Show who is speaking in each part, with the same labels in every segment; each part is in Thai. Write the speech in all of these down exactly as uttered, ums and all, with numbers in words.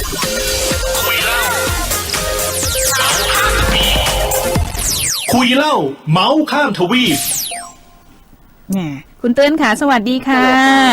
Speaker 1: คุยเล่าเมาส์ข้ามทวีป
Speaker 2: คุณเตือนค่ะสวัสดีค่ะ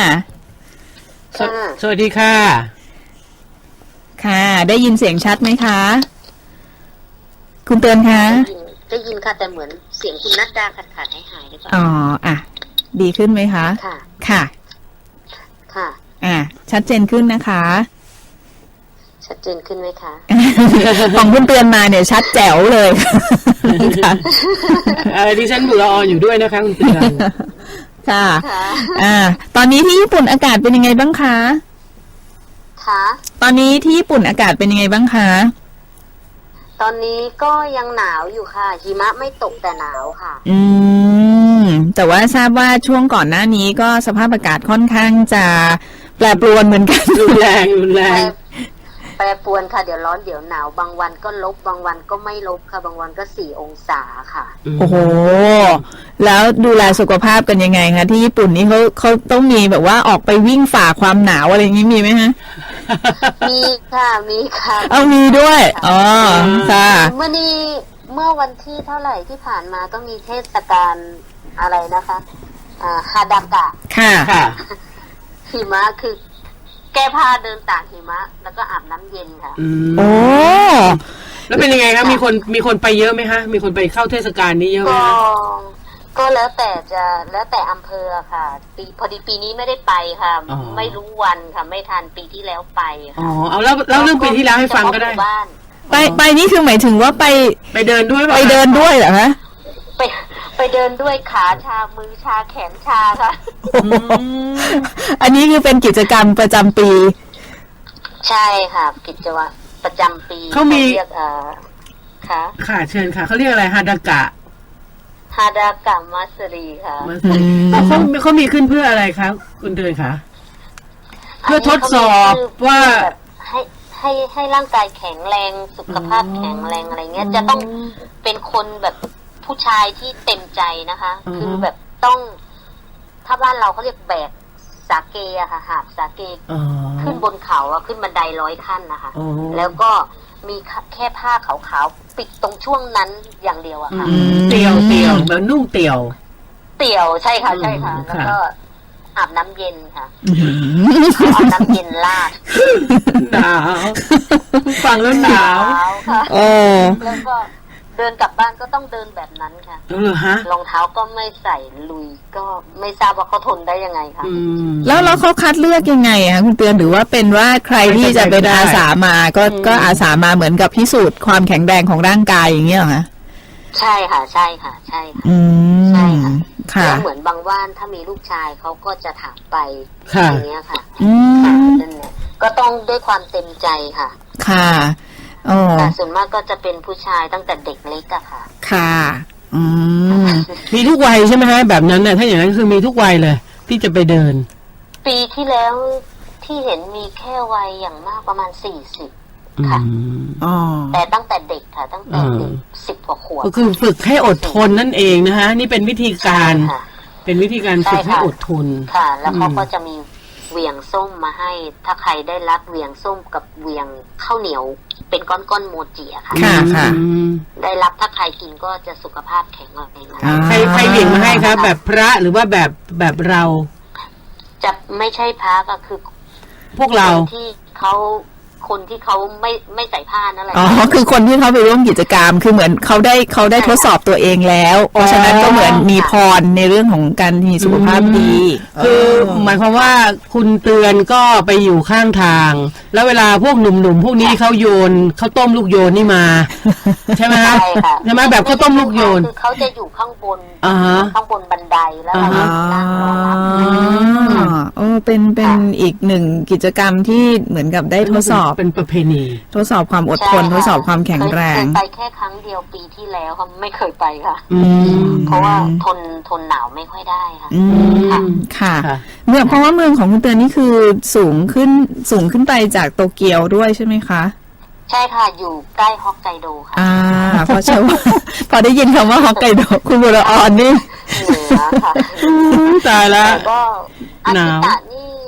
Speaker 3: สวัสดีค่ะ
Speaker 2: ค่ะได้ยินเสียงชัดไหมคะคุณเตือนคะ
Speaker 4: ได้ยินค่ะแต่เหมือนเสียงคุณนัดดาขาดขาดหายหายหรือเปล่า
Speaker 2: อ๋ออ่ะดีขึ้นไหมคะ
Speaker 4: ค่ะ
Speaker 2: ค่ะ
Speaker 4: ค่ะ
Speaker 2: อ่ะชัดเจนขึ้นนะคะ
Speaker 4: ชัดเจนขึ้นไหมคะ
Speaker 2: ของคุณเตือนมาเนี่ยชัดแจ๋วเลยค่ะ
Speaker 3: ดิฉันบุรออยู่ด้วยนะคะคุณเตือน
Speaker 2: ค่ะอ่าตอนนี้ที่ญี่ปุ่นอากาศเป็นยังไงบ้างคะ
Speaker 4: คะ
Speaker 2: ตอนนี้ที่ญี่ปุ่นอากาศเป็นยังไงบ้างคะ
Speaker 4: ตอนนี้ก็ยังหนาวอยู่ค่ะหิมะไม่ตกแต่หนาวค่ะ
Speaker 2: อืมแต่ว่าทราบว่าช่วงก่อนหน้านี้ก็สภาพอากาศค่อนข้างจะแปรปรวนเหมือนกัน
Speaker 3: รุนแรงรุนแรง
Speaker 4: แปรปรวนค่ะเดี๋ยวร้อนเดี๋ยวหนาวบางวันก็ลบบางวันก็ไม่ลบค่ะบางวันก็สี่องศาค่ะ
Speaker 2: โอ้โหแล้วดูแลสุขภาพกันยังไงคะที่ญี่ปุ่นนี่เขาเขาต้องมีแบบว่าออกไปวิ่งฝ่าความหนาวอะไรอย่างนี้มีไหมฮะ
Speaker 4: มีค่ะมีค่ะ
Speaker 2: เอามีด้วยอ๋อค่ะ
Speaker 4: เมื่อนี้เมื่อวันที่เท่าไหร่ที่ผ่านมาก็มีเทศกาลอะไรนะคะอ่าฮาดากะ
Speaker 2: ค่ะค่ะ
Speaker 4: หิมะคือแก้ผ้าเดินตากหิมะแล้วก็อาบน้ำเย็นค่ะ
Speaker 2: โอ้
Speaker 3: แล้วเป็นยังไงครับมีคนมีคนไปเยอะไหมฮะมีคนไปเข้าเทศกาลนี้เยอะไหม
Speaker 4: ก็ก็แล้วแต่จะแล้วแต่อำเภอค่ะปีพอดีปีนี้ไม่ได้ไปค่ะไม่รู้วันค่ะไม่ทันปีที่แล้วไปค่ะ
Speaker 3: อ๋อเอาแล้วแล้วเรื่องปีที่แล้วให้ฟังก็ได้
Speaker 2: ไปไปนี่คือหมายถึงว่าไป
Speaker 3: ไปเดินด้วย
Speaker 2: ไปเดินด้วยเหรอฮะ
Speaker 4: ไปไปเดินด้วยขาชามือชาแขนชาค่ะ
Speaker 2: อันนี้คือเป็นกิจกรรมประจำปี
Speaker 4: ใช่ค่ะกิจวัตรประจำปี
Speaker 3: เขามี
Speaker 4: เรียกเอ่อค่ะ
Speaker 3: ค่ะเชิญค่ะเขาเรียกอะไรฮาดากะ
Speaker 4: ฮาดากะมัสรีค่ะ
Speaker 3: เขาเขามีขึ้นเพื่ออะไรคะคุณเตือนคะเพื่อทดสอบว่า
Speaker 4: ให้ให้ให้ร่างกายแข็งแรงสุขภาพแข็งแรงอะไรเงี้ยจะต้องเป็นคนแบบผู้ชายที่เต็มใจนะคะคือแบบต้องถ้าบ้านเราเขาเรียกแบกสาเกอะค่ะหาบสาเกขึ้นบนเขาอะขึ้นบันไดร้อยขั้นนะคะแล้วก็มีแค่ผ้าขาวๆปิดตรงช่วงนั้นอย่างเดียวอะค่ะ
Speaker 3: เตี่ยวเตี่ยวแบบนุ่งเตี่ยว
Speaker 4: เตี่ยวใช่ค่ะใช่ค่ะแล้วก็อาบน้ำเย็นค่ะอาบน้ำเย็นลาด
Speaker 3: หนาวฟังแล้วหนาว
Speaker 4: ค่ะแล้วก็เดินกลับบ้านก็ต้องเดินแบบนั้นค่ะรองเท้าก็ไม่ใส่ลุยก็ไม่ทราบว่าเขาทนได้ยังไงคะ
Speaker 2: แล้วแล้วเขาคัดเลือกยังไงคะคุณเตือนหรือว่าเป็นว่าใครที่จะเป็นอาสามาก็ก็อาสามาเหมือนกับพิสูจน์ความแข็งแรงของร่างกายอย่างเงี้ยเหรอคะ
Speaker 4: ใช่ค่ะใช่ค่ะใช่ค่ะใช่ค่ะแล้วเหมือนบางว่านถ้ามีลูกชายเขาก็จะถามไปอย่างเงี้ยค่ะนั่นแหละก็ต้องด้วยความเต็มใจค่ะ
Speaker 2: ค่ะ
Speaker 4: แต่ส่วนมากก็จะเป็นผู้ชายตั้งแต่เด็กเล็กอะค่ะ
Speaker 2: ค่ะอืม
Speaker 3: มีทุกวัยใช่ไหมฮะแบบนั้นน่ะถ้าอย่างนั้นคือมีทุกวัยเลยที่จะไปเดิน
Speaker 4: ปีที่แล้วที่เห็นมีแค่วัยอย่างมากประมาณสี่สิบค่ะแต่ตั้งแต่เด็กค่ะตั้งแต่เด็กสิบกว่าขวบ
Speaker 3: ก็คือฝึกให้อดทนนั่นเองนะคะนี่เป็นวิธีการเป็นวิธีการฝึกให้อดทน
Speaker 4: ค่ะแล้วเขาก็จะมีเวียงส้มมาให้ถ้าใครได้รับเวียงส้มกับเวียงข้าวเหนียวเป็นก้อนๆโมจิอะค่ะ
Speaker 2: ค่ะค่ะ
Speaker 4: ได้รับถ้าใครกินก็จะสุขภาพแข็งแรงนะ
Speaker 3: ใครใครเวียงมาให้ครับแบบพระหรือว่าแบบแบบเรา
Speaker 4: จะไม่ใช่พระก็คือ
Speaker 3: พวกเรา
Speaker 4: ที่เขาคนที่เขาไม่ไม่ใส่ผ้านั่นแหละ
Speaker 2: อ๋อคือคนที่เขาไปร่วมกิจกรรมคือเหมือนเขาได้เขาได้ทดสอบตัวเองแล้วเพราะฉะนั้นก็เหมือนมีพรในเรื่องของการมีสุขภาพดี
Speaker 3: คือหมายความว่าคุณเตือนก็ไปอยู่ข้างทางแล้วเวลาพวกหนุ่มๆพวกนี้เขาโยนเขาต้มลูกโยนนี่มาใช่ไหมคะใช่ไหมแบบเขาต้มลูกโยน
Speaker 4: คือเขาจะอยู่ข้างบนข้างบนบันไดแล้วเรานั่งรอรับ
Speaker 2: อ๋อเป็นเป็นอีกหนึ่งกิจกรรมที่เหมือนกับได้ทดสอบ
Speaker 3: เป็นประเพณี
Speaker 2: ทดสอบความอดทนทดสอบความแข็งแรง
Speaker 4: ไปแค่ครั้งเดียวปีที่แล้วค่ะไม่เคยไปค่ะเพราะว่าทนทนหนาวไม่ค่อยได้ค่ะ
Speaker 2: ค่ะเมื่อเพราะว่าเมืองของคุณเตือนนี่คือสูงขึ้นสูงขึ้นไปจากโตเกียวด้วยใช่ไหมคะ
Speaker 4: ใช่ค่ะอยู่ใกล้ฮอกไกโดค่ะ
Speaker 2: อ่าเพราะเชื่อว่าพอได้ยินคำว่าฮอกไกโดคุณบุรออนนี่
Speaker 4: เหนือค่ะ
Speaker 3: ตายแล้ว
Speaker 4: ก็อากิตะนี่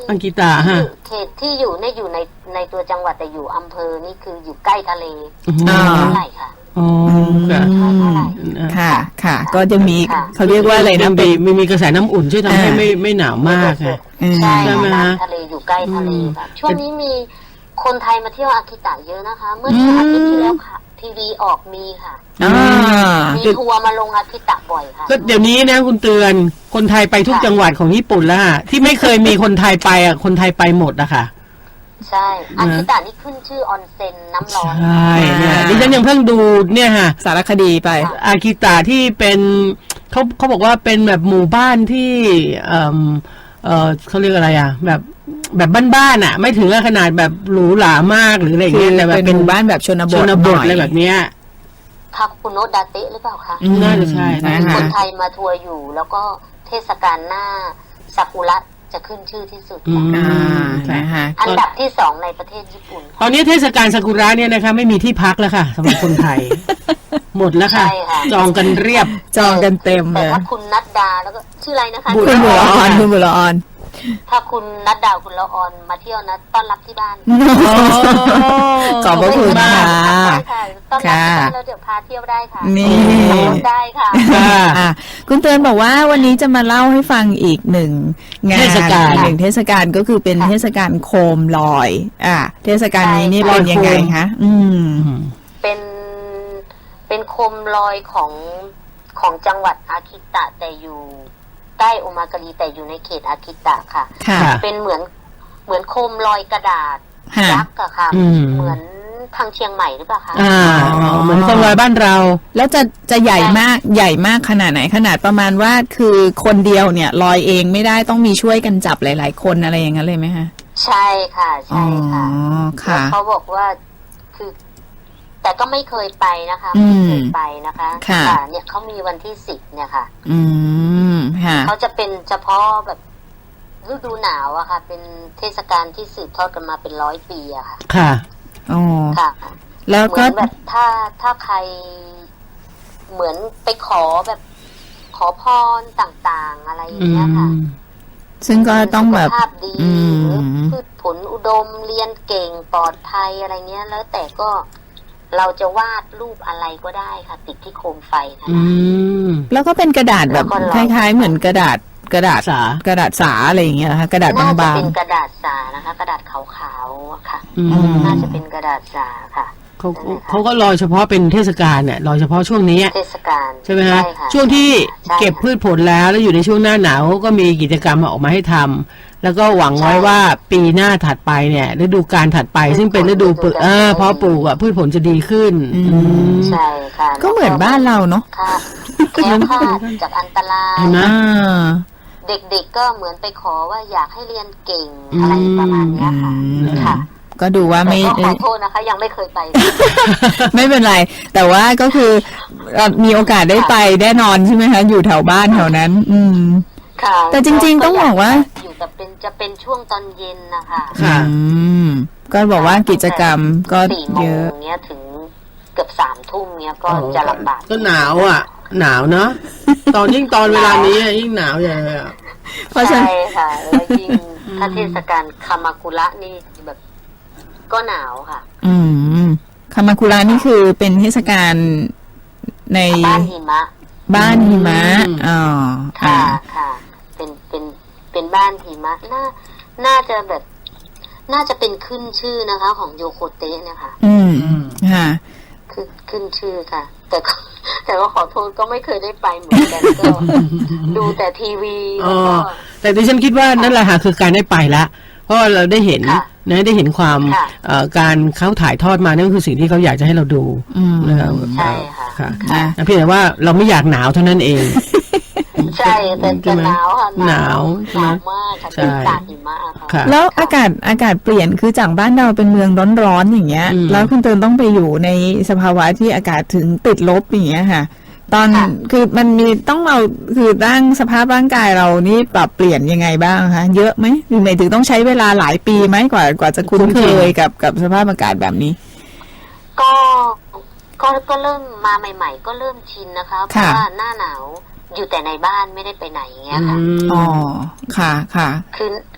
Speaker 3: อากิตะฮะ
Speaker 4: เขตที่อยู่เนี่ยอยู่ในในตัวจังหวัดแต่อยู่อำเภอนี่คืออยู่ใกล้ทะเล
Speaker 2: อ่า
Speaker 4: เท่าไหร่ค่ะ
Speaker 3: อ๋อค่ะ
Speaker 4: เท่าไหร่
Speaker 2: ค่ะค่ะ ก็จะมี
Speaker 4: ค่ะ
Speaker 2: เขาเรียกว่าอะไรนะ
Speaker 3: มี
Speaker 2: เป็น
Speaker 3: มีมีกระแสน้ำอุ่นช่วยทำให้
Speaker 2: อ่า
Speaker 3: ไม่ไม่หนาวมากค่ะ
Speaker 2: อืม
Speaker 4: ใช่
Speaker 3: ใช่ไหม
Speaker 4: ค่ะ
Speaker 3: ฮะ
Speaker 4: น้ำทะเลอยู่ใกล้ทะเลค่ะช่วงนี้มีคนไทยมาเที่ยวอากิตะเยอะนะคะ เมื่อ
Speaker 2: อืม
Speaker 4: อาทิตย์ที่แล้วค่ะ ทีวีออกมีค่ะ
Speaker 2: อ่า
Speaker 4: มีทัวร์มาลงอากิตะบ่อยค่ะ
Speaker 3: ก็เดี๋ยวนี้นะคุณเตือนคนไทยไปทุก
Speaker 4: ค่ะ
Speaker 3: จังหวัดของญี่ปุ่นแล้วฮะที่ไม่เคยมีคนไทยไปอ่ะคนไทยไปหมดอะค่ะ
Speaker 4: ใช่อากิตะนี่ขึ้นชื่อออนเซ็นน้ำร้อน
Speaker 3: ใช่เนี่ยดิฉันยังเพิ่งดูเนี่ยฮะ
Speaker 2: สารคดีไป
Speaker 3: อากิตะที่เป็นเขาเขาบอกว่าเป็นแบบหมู่บ้านที่เออเออเขาเรียกอะไรอ่ะ แบบแบบบ้านๆอ่ะ ไม่ถึงกับขนาดแบบหรูหรามากหรืออะไรอย่าง
Speaker 2: คือ
Speaker 3: เงี้ยแต่แบบ
Speaker 2: เป็นหมู่บ้านแบบชนบ
Speaker 3: ช
Speaker 2: ท
Speaker 3: นบ
Speaker 2: หน่
Speaker 3: ท
Speaker 2: อย
Speaker 3: อะไรแบบเนี้ย
Speaker 4: คาคุโนะดาเตะหรือเปล่าคะ
Speaker 2: อืม
Speaker 3: น่าจะใช่
Speaker 2: นะ
Speaker 4: มี
Speaker 2: คะ
Speaker 4: คนไทยมาทัวร์อยู่ แล้วก็เทศกาลหน้าซากุระจะขึ้นชื่อที่สุด
Speaker 3: อื
Speaker 4: ค่ะ
Speaker 3: ม
Speaker 2: อ่านะคะ
Speaker 4: อันดับที่สองในประเทศญี่ปุ่น
Speaker 3: ตอ
Speaker 4: ค่ะ
Speaker 3: นนี้เทศกาลซากุระเนี่ยนะคะไม่มีที่พักแล้วค่ะสำหรับคนไทย หมดแล้วค่ะ
Speaker 4: ใช่ค่ะ
Speaker 3: จองกันเรียบ
Speaker 2: จองกันเต็ม
Speaker 4: แต่
Speaker 2: เลย
Speaker 4: ถ้าคุณนัดดาแล้วก็ชื่ออะไรนะคะ
Speaker 2: คุณบุรออนคุณบุรออน
Speaker 4: ถ้าคุณนัดดาคุณละออนมาเที่ยวนะต้อนรับที่บ้าน
Speaker 2: ขอบพระคุณค่ะ
Speaker 4: ได้ค่ะต้อนรับที่บ้านแล้วเดี๋ยวพาเที่ยวได้ค่ะ
Speaker 2: นี่
Speaker 4: ขับรถได้ค่ะ
Speaker 3: ค่ะ
Speaker 2: อ่ะคุณเตือนบอกว่าวันนี้จะมาเล่าให้ฟังอีกหนึ่งงาน
Speaker 3: เทศกาล
Speaker 2: หนึ่งเทศกาลก็คือเป็น
Speaker 4: ค่ะ
Speaker 2: เทศกาลโคมลอย อ่ะเทศกาลนี้นี่
Speaker 4: ใช่
Speaker 2: เป็นยังไง
Speaker 3: ลอยโคม
Speaker 2: คะอืม
Speaker 4: เป็นเป็นโคมลอยของของจังหวัดอากิตะแต่อยู่ใต้โอมาการีแต่อยู่ในเขตอากิตะค่ะ
Speaker 2: ค่ะ
Speaker 3: ค่ะ
Speaker 4: เป็นเหมือนเหมือนโคมลอยกระดาษ
Speaker 2: ค่ะ
Speaker 4: ยักษ์อะค่ะ
Speaker 3: อืม
Speaker 4: เหมือนทางเชียงใหม่หรือเปล่าคะ
Speaker 3: อ่าเหมือนคนลอยบ้านเรา
Speaker 2: แล้วจะจะใหญ่มากใหญ่มากขนาดไหนขนาดประมาณว่าคือคนเดียวเนี่ยลอยเองไม่ได้ต้องมีช่วยกันจับหลาย ๆ คนอะไรอย่างนั้นเลยไหมคะ
Speaker 4: ใช่ค่ะใช่ค่ะ
Speaker 2: อ๋อ
Speaker 4: แล้ว
Speaker 2: ค่ะ
Speaker 4: เขาบอกว่าคือ แต่ก็ไม่เคยไปนะคะ
Speaker 2: อื
Speaker 4: ไม่
Speaker 2: ม
Speaker 4: เคยไปนะคะ
Speaker 2: ค่ะ
Speaker 4: เนี่ยเขามีวันที่สิบเนี่ยค่ะ
Speaker 2: อืมค่ะ
Speaker 4: เขาจะเป็นเฉพาะแบบฤดูหนาวอะค่ะ เป็นเทศกาลที่สืบทอดกันมาเป็นร้อยปีอะค่ะ
Speaker 3: ค่ะ
Speaker 2: อ๋อ
Speaker 4: ค่ะ
Speaker 2: แล้ว
Speaker 4: เหมื
Speaker 2: ก็
Speaker 4: อนแบบถ้าถ้าใครเหมือนไปขอแบบขอพรต่างๆ อะไรอย่างเงี้ยค่ะ
Speaker 2: ซึ่งก็ต้องแบบ
Speaker 4: สุขภาพดี
Speaker 2: อื
Speaker 4: หรือ
Speaker 2: ม
Speaker 4: พืชผลอุดมเรียนเก่งปลอดภัยอะไรเงี้ย แล้วแต่ก็เราจะวาดรูปอะไรก็ได้ค่ะ ติดที่โคมไฟนะ
Speaker 3: อืม
Speaker 2: แล้วก็เป็นกระดาษแบบ
Speaker 4: แล้วก็
Speaker 2: ค
Speaker 4: ลอย
Speaker 2: ล้าย ๆ เหมือนกระดาษกระดาษ
Speaker 3: สาก
Speaker 2: ระดาษสาอะไรอย่างเงี้ยนะคะกระดาษ
Speaker 4: น่าจะ
Speaker 2: บาง
Speaker 4: เป็นกระดาษสานะคะ กระดาษขาวๆอะค่ะ
Speaker 3: อืม
Speaker 4: น่าจะเป็นกระดาษสาค่ะ
Speaker 3: เขาเขาก็ลอยเฉพาะเป็นเทศกาลเนี่ยลอยเฉพาะช่วงนี้
Speaker 4: เทศกาล
Speaker 3: ใช่ไหมฮะ
Speaker 4: ค่
Speaker 3: ช่วงที่
Speaker 4: ใช่ค่ะ
Speaker 3: เก็บพืชผลแล้วแล้วอยู่ในช่วงหน้าหนาวก็มีกิจกรรมออกมาให้ทำแล้วก็หวังไว้ว่าปีหน้าถัดไปเนี่ยฤดูการถัดไป ซึ่งเป็นฤดูปลูกเออเพาะปลูกอ่ะพืชผลจะดีขึ้น
Speaker 2: อืม
Speaker 3: อืม
Speaker 4: ใช่ค่ะ
Speaker 2: ๆ ก็เหมือนบ้านเราเนาะ
Speaker 4: ค่ะแคล้วคลาดจากอันตราย
Speaker 3: เห็นไหม
Speaker 2: อ่า
Speaker 4: เด็กๆก็เหมือนไปขอว่าอยากให้เรียนเก่งอะไรประมาณเนี้ยค่ะ
Speaker 2: อืม
Speaker 4: ค่ะ
Speaker 2: ก็ดูว่า
Speaker 4: แต่
Speaker 2: ไม่
Speaker 4: ก็ขอโทษนะคะ ยังไม่เคยไป
Speaker 2: ไม่เป็นไร แต่ว่าก็คือเอ่อมีโอกาสได้ไปแน่นอนใช่ไหมคะ อยู่แถวบ้านแถวนั้น อืม
Speaker 4: ค่ะ
Speaker 2: แต่จริงๆต้องบอกว่า
Speaker 4: อยู่แต่เป็นจะเป็นช่วงตอนเย็นนะคะ
Speaker 3: ค่ะ
Speaker 2: อืม ก็บอกว่ากิจกรรมก็
Speaker 4: สี่โม
Speaker 2: เย
Speaker 4: ง
Speaker 2: อะ
Speaker 4: เนี้ยถึงเกือบสามทุ่มเนี้ยก็จะลำบาก
Speaker 3: ก็หนาวอ่ะ หนาวเนาะตอนยิ่งตอนเวลานี้อะยิ่งหนาวใหญ่เลยอ่ะ
Speaker 2: เพราะฉะนั้น
Speaker 4: ใช่ค่ะแล้วยิ่งถ้าเทศกาลคามากุระนี่แบบก็หนาวค่ะ
Speaker 2: อืมคามาคุระนี่คือเป็นเทศกาลใน
Speaker 4: บ้านหิมะ
Speaker 2: บ้านหิมะ
Speaker 3: อืม
Speaker 2: อ๋อ
Speaker 4: ค่ะ
Speaker 2: อ่า
Speaker 4: ค่ะ เป็นเป็นเป็นบ้านหิมะน่าน่าจะแบบ น่าจะเป็นขึ้นชื่อนะคะ ของโยโคเตะเนี่ยค่ะ
Speaker 2: อืมค่ะ
Speaker 4: คือขึ้นชื่อค่ะ แต่ก็แต่ก็ขอโทษก็ไม่เคยได้ไปเหมือนกันก็ ดูแต่ทีวี
Speaker 3: อ๋
Speaker 4: แล้ว
Speaker 3: อ
Speaker 4: ก็
Speaker 3: แต่ดิฉันคิดว่านั่นแหละค่ะคือการได้ไปละเพราะว่าเราได้เห็น
Speaker 4: ค่ะ
Speaker 3: นะได้เห็นความ
Speaker 4: ค่ะ
Speaker 3: เอ่อการเขาถ่ายทอดมานั่นคือสิ่งที่เขาอยากจะให้เราดู
Speaker 2: อืม
Speaker 3: นะครับ
Speaker 4: ใช่ค่ะ
Speaker 3: ค่ะ
Speaker 2: ค่ะ
Speaker 3: เพียงแต่ว่าเราไม่อยากหนาวเท่านั้นเอง
Speaker 4: ใช่แต่แต่หนาวค่ะ
Speaker 3: หนาว
Speaker 4: หนาวมากค่ะ
Speaker 3: ใช่
Speaker 4: เป็นตากหิมะค่ะ
Speaker 3: ค่ะ
Speaker 2: แล้วอากาศอากาศเปลี่ยนคือจากบ้านเราเป็นเมืองร้อนๆอย่างเงี้ย
Speaker 3: อืม
Speaker 2: แล้วคุณเตินต้องไปอยู่ในสภาวะที่อากาศถึงติดลบอย่างเงี้ยค่ะ ตอน
Speaker 4: ค่ะ
Speaker 2: คือมันมีต้องเราคือร่างสภาพร่างกายเรานี่ปรับเปลี่ยนยังไงบ้างคะเยอะไหมหรือหมายถึงต้องใช้เวลาหลายปีไหมกว่ากว่าจะคุ้นเคยกับกับสภาพอากาศแบบนี้
Speaker 4: ก็ก็ก็เริ่มมาใหม่ ๆ ก็เริ่มชินนะคะ เพ
Speaker 2: ค่ะ
Speaker 4: ราะว่าหน้าหนาวอยู่แต่ในบ้านไม่ได้ไปไหนอย่างเงี้ยค่ะ
Speaker 3: อืม
Speaker 2: อ๋อค่ะค่ะ
Speaker 4: คือ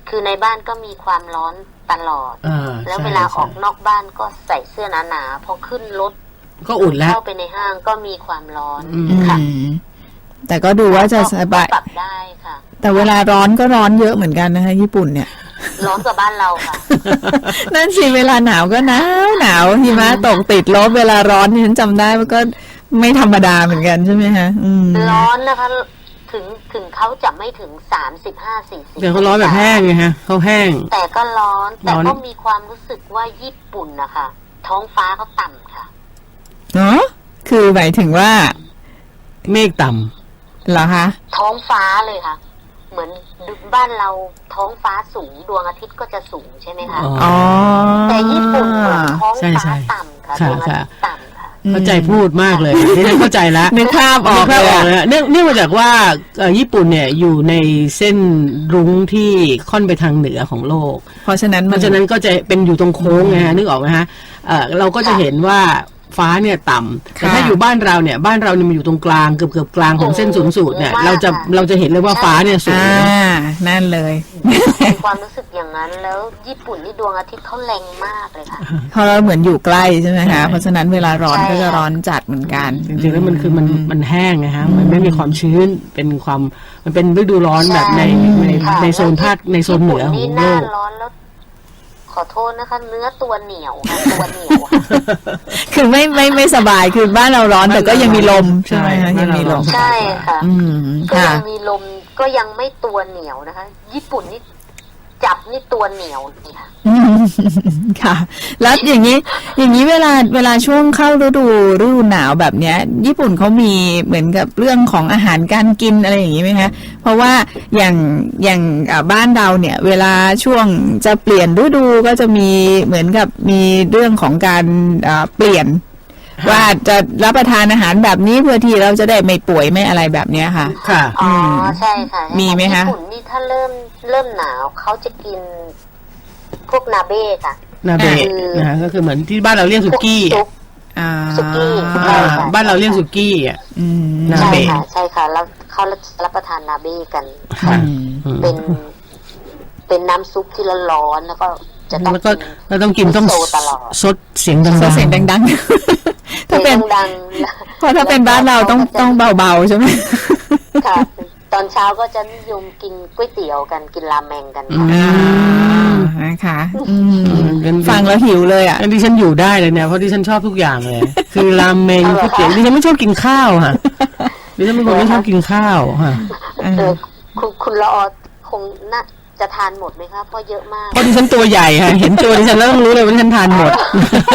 Speaker 4: คือในบ้านก็มีความร้อนตลอด
Speaker 3: อ่า
Speaker 4: แล้ว
Speaker 3: ใช่
Speaker 4: เวลา
Speaker 3: ใช่
Speaker 4: ออกนอกบ้านก็ใส่เสื้อหนาๆพอขึ้นรถ
Speaker 3: ก็อุ่นแล้ว
Speaker 4: เข้าไปในห้างก็มีความร้อน
Speaker 3: อืม
Speaker 4: ค่ะ
Speaker 2: อืมแต่ก็ดูว่าจะสบาย
Speaker 4: ก็ปรับได้ค่ะ
Speaker 2: แต่เวลาร้อนก็ร้อนเยอะเหมือนกันนะคะญี่ปุ่นเนี่ย
Speaker 4: ร้อนกว่าบ้านเราค่ะ
Speaker 2: นั่นสิเวลาหนาวก็หนาวหนาวหิมะตกติดลบเวลาร้อนนี่ฉันจำได้มันก็ไม่ธรรมดาเหมือนกันใช่ไหมคะอืม
Speaker 4: ร้อนนะคะ ถึงถึงเขาจะไม่ถึงสามสิบห้าสี่สิบ
Speaker 3: เดี๋ยวเขาร้อนแบบแห้งไงฮะเขาแห้ง
Speaker 4: แต่ก็ร้อน แต่
Speaker 3: ร้อน
Speaker 4: ก็มีความรู้สึกว่าญี่ปุ่นนะคะท้องฟ้าเขาต่ำค่ะ
Speaker 2: เนาะคือหมายถึงว่า
Speaker 3: เมฆต่
Speaker 2: เหรอคะ
Speaker 4: ท้องฟ้าเลยค่ะ เหมือนบ้านเราท้องฟ้าสูงดวงอาทิตย์ก็จะสูงใช่ไหม
Speaker 3: ำ
Speaker 4: คะ
Speaker 3: อ๋อ
Speaker 4: แต่ญี่ปุ่นเหมือนท้อง
Speaker 3: ใช่
Speaker 4: ฟ้า
Speaker 3: ใช่
Speaker 4: ต่ำค่ะ
Speaker 3: ค่ะ
Speaker 4: ดวงอาทิตย์ต่ำค่ะ
Speaker 3: เข้าใจพูดมากเลยนี่ฉันเข้าใจแล้ว
Speaker 2: นึกภาพออก
Speaker 3: นึกภาพ
Speaker 2: เลย
Speaker 3: ออก
Speaker 2: อะ
Speaker 3: เลยอะเนื่องเนื่องมาจากว่าเอ่อญี่ปุ่นเนี่ยอยู่ในเส้นรุ้งที่ค่อนไปทางเหนือของโลก
Speaker 2: เพราะฉะนั้น
Speaker 3: เพ
Speaker 2: มัน
Speaker 3: ราะฉะนั้นก็จะเป็นอยู่ตรงโค้งไงฮะนึกออกไหมฮะเอ่อเราก็จะเห็นว่าฟ้าเนี่ยต่ำแต่ถ้าอยู่บ้านเราเนี่ยบ้านเราเนี่ยมันอยู่ตรงกลางเกือบเกือบกลางของเส้นศูนย์สูตรเนี่ยเราจะเราจะเห็นเลยว่าฟ้าเนี่ยสูง
Speaker 2: อ่านั่นเลย
Speaker 4: มีความรู้สึกอย่างนั้น แล้วญี่ปุ่นนี่ดวงอาทิตย์เขาแรงมากเลยค่ะ
Speaker 2: เพราะเราเหมือนอยู่ใกล้ใช่ไหม
Speaker 3: ใช่
Speaker 2: คะเพราะฉะนั้นเวลาร้อน
Speaker 4: ใช่
Speaker 2: ก็จะ
Speaker 4: ค่ะ
Speaker 2: ร้อนจัดเหมือนกัน
Speaker 3: จริงๆแล้วมันคือมันมันแห้งนะฮะมันไม่มีความชื้นเป็นความมันเป็นฤดูร้อนแบบในใน
Speaker 4: ค่ะ
Speaker 3: ในโซนภาคในโซนเหนือข
Speaker 4: ญี่
Speaker 3: อง
Speaker 4: ปุ่นนี่ห
Speaker 3: โล
Speaker 4: น้าก ร้อนแล้ว ขอโทษนะคะ เนื้อตัวเหนียวค่ะตัวเหนียวค่ะ
Speaker 2: คือไม่ไม่ไม่สบายคือบ้านเราร้อนแต่ก็ยังมีลมใช่ไหมคะ
Speaker 3: ใช่
Speaker 2: ยังมีลม
Speaker 4: ใช่ค่ะ
Speaker 2: อืม
Speaker 4: ก็
Speaker 2: ค่ะ
Speaker 4: ยังมีลมก็ยังไม่ตัวเหนียวนะคะ ญี่ปุ่นนี่จับนี่ตัวเหนียวนี่ค่ะ
Speaker 2: อืมค่ะ แล้วอย่างนี้ อย่างนี้เวลาเวลาช่วงเข้าฤดูฤดูหนาวแบบเนี้ย ญี่ปุ่นเขามีเหมือนกับเรื่องของอาหารการกินอะไรอย่างนี้ไหมคะเพราะว่าอย่างอย่างอ่าบ้านเราเนี่ย เวลาช่วงจะเปลี่ยนฤดูก็จะมีเหมือนกับมีเรื่องของการอ่าเปลี่ยน ว่าจะรับประทานอาหารแบบนี้เพื่อที่เราจะได้ไม่ป่วยไม่อะไรแบบเนี้ยค่ะ
Speaker 3: ค่ะ
Speaker 4: อ๋อใช่ค่ะ
Speaker 2: มีไหมคะ
Speaker 4: ญี่ปุ่นนี่ถ้าเริ่มเริ่มหนาวเขาจะกินพวกนาเบ้ค่ะ
Speaker 3: นาเบะ
Speaker 4: คือ
Speaker 3: นะฮะก็คือเหมือนที่บ้านเราเรียกสุกี้
Speaker 4: พวซุป
Speaker 2: อ่า
Speaker 4: สุกี้
Speaker 3: อ่าบ้านเราเรียกสุกี้อ่ะ
Speaker 2: อืม
Speaker 3: นา
Speaker 4: ใช่
Speaker 3: เบะ
Speaker 4: ค่ะ ใช่ค่ะ แล้วเขารับประทานนาเบ้กัน
Speaker 3: ค่ะ
Speaker 2: อืม
Speaker 3: อืม
Speaker 4: เป็น เป็นน้ำซุปที่ร้อนๆแล้วก็จะต้อง
Speaker 3: แล้วก็
Speaker 4: กิน
Speaker 3: เราต้องกินต้อง
Speaker 4: โซตลอด
Speaker 3: ซดเสียงดัง
Speaker 2: โซเสียงดังๆ ถ้าเป็น
Speaker 4: ดัง
Speaker 2: เพราะถ้าเป็นบ้านเราต้องต้องเบาๆใช่ไหม
Speaker 4: ๆค่ะ ตอนเช้าก็จะนิยมกินก๋วยเตี๋ยวกันกินราเมงกันค่ะ
Speaker 2: อ่านะคะอืม
Speaker 3: เป็น
Speaker 2: ฟังแล้วหิวเลยอ่ะ
Speaker 3: อันที่ฉันอยู่ได้เลยเนี่ยเพราะที่ฉันชอบทุกอย่างเลย คือรามเมง
Speaker 4: เอาเหร
Speaker 3: ก๋ว
Speaker 4: อย คะ
Speaker 3: เตี๋ยวดิฉันไม่ชอบกินข้าวค่ะดิฉันเป็นคนไม่ชอบกินข้าวค่ะ
Speaker 2: อ่า
Speaker 4: เออคุณคุณละออคงน่าจะทานหมดไหมคะเพราะเยอะมาก
Speaker 3: เพราะดิฉันตัวใหญ่ค่ะเห็นตัวดิฉันแล้วต้องรู้เลยว่าดิฉันทานหมด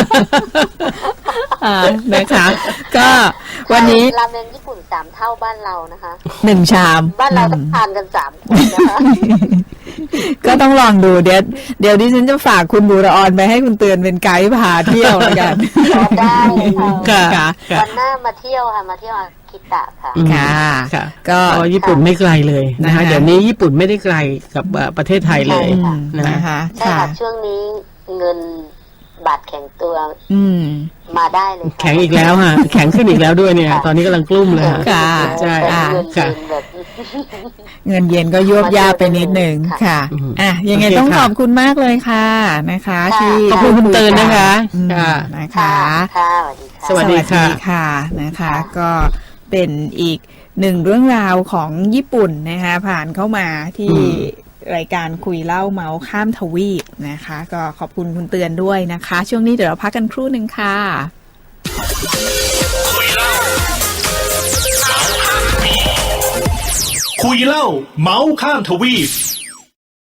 Speaker 2: อ่านะคะ ก็วันนี้
Speaker 4: ราเมงญี่ปุ่นสามเท่าบ้านเรานะคะ
Speaker 2: หนึ่งชาม
Speaker 4: บ้านเราต้องทานกันสามคนนะคะ
Speaker 2: ก็ต้องลองดูเดี๋ยวเดี๋ยวดิฉันจะฝากคุณบูรออนไปให้คุณเตือนเป็นไกด์พาเที่ยวแล้วกัน
Speaker 4: ได้ค่ะ
Speaker 3: ค่ะ
Speaker 2: ค่ะ
Speaker 4: วันหน้ามาเที่ยวค่ะมาเที่ยวอาคิตะค่ะ
Speaker 3: อืม
Speaker 2: ค่ะ
Speaker 3: ค่ะ
Speaker 2: ก็
Speaker 3: เพราะญี่ปุ่นไม่ไกลเลยนะ
Speaker 2: นะคะ
Speaker 3: คะเดี๋ยวนี้ญี่ปุ่นไม่ได้ไกลกับเอ่อประเทศไทยเลย
Speaker 4: ใช่ค่ะ
Speaker 3: นะ
Speaker 2: นะคะ
Speaker 4: ใช่
Speaker 2: ค่ะ
Speaker 4: ค่ะช่วงนี้เงินบาทแข็งตัว
Speaker 2: อืม
Speaker 4: มาได้เลยค่ะ
Speaker 3: แข็งอีกแล้วค่ะแข็งขึ้นอีกแล้วด้วยเนี่ย ตอนนี้กำลังกลุ้มเลยค่ะ
Speaker 2: ค่ะ
Speaker 3: ใช่
Speaker 4: แต่เงิน
Speaker 3: ค่ะ
Speaker 4: เย็นแบบ
Speaker 2: เงินเย็นก็ยวบยาบไปนิดหนึ่ง
Speaker 4: ค่ะ
Speaker 2: ค่ะ
Speaker 3: อืม
Speaker 2: อ่ะ ยังไง
Speaker 3: โอเค
Speaker 2: ต้อง
Speaker 3: ค่ะ
Speaker 2: ขอบคุณมากเลยค่ะนะคะ
Speaker 4: ค่ะ
Speaker 2: ที่
Speaker 3: ขอบคุณคุณเตือนนะคะ
Speaker 2: อืม
Speaker 3: ค่ะ
Speaker 2: นะคะ
Speaker 4: ค่ะสวัสดีค่ะ
Speaker 3: สวัสดีค่ะ
Speaker 2: นะคะ
Speaker 4: ค่ะ
Speaker 2: ก็เป็นอีกหนึ่งเรื่องราวของญี่ปุ่นนะคะ ผ่านเข้ามาที่รายการคุยเล่าเมาส์ข้ามทวีปนะคะ ก็ขอบคุณคุณเตือนด้วยนะคะ ช่วงนี้เดี๋ยวเราพักกันครู่หนึ่งค่ะ
Speaker 1: คุยเล่าเมาส์ข้ามทวีป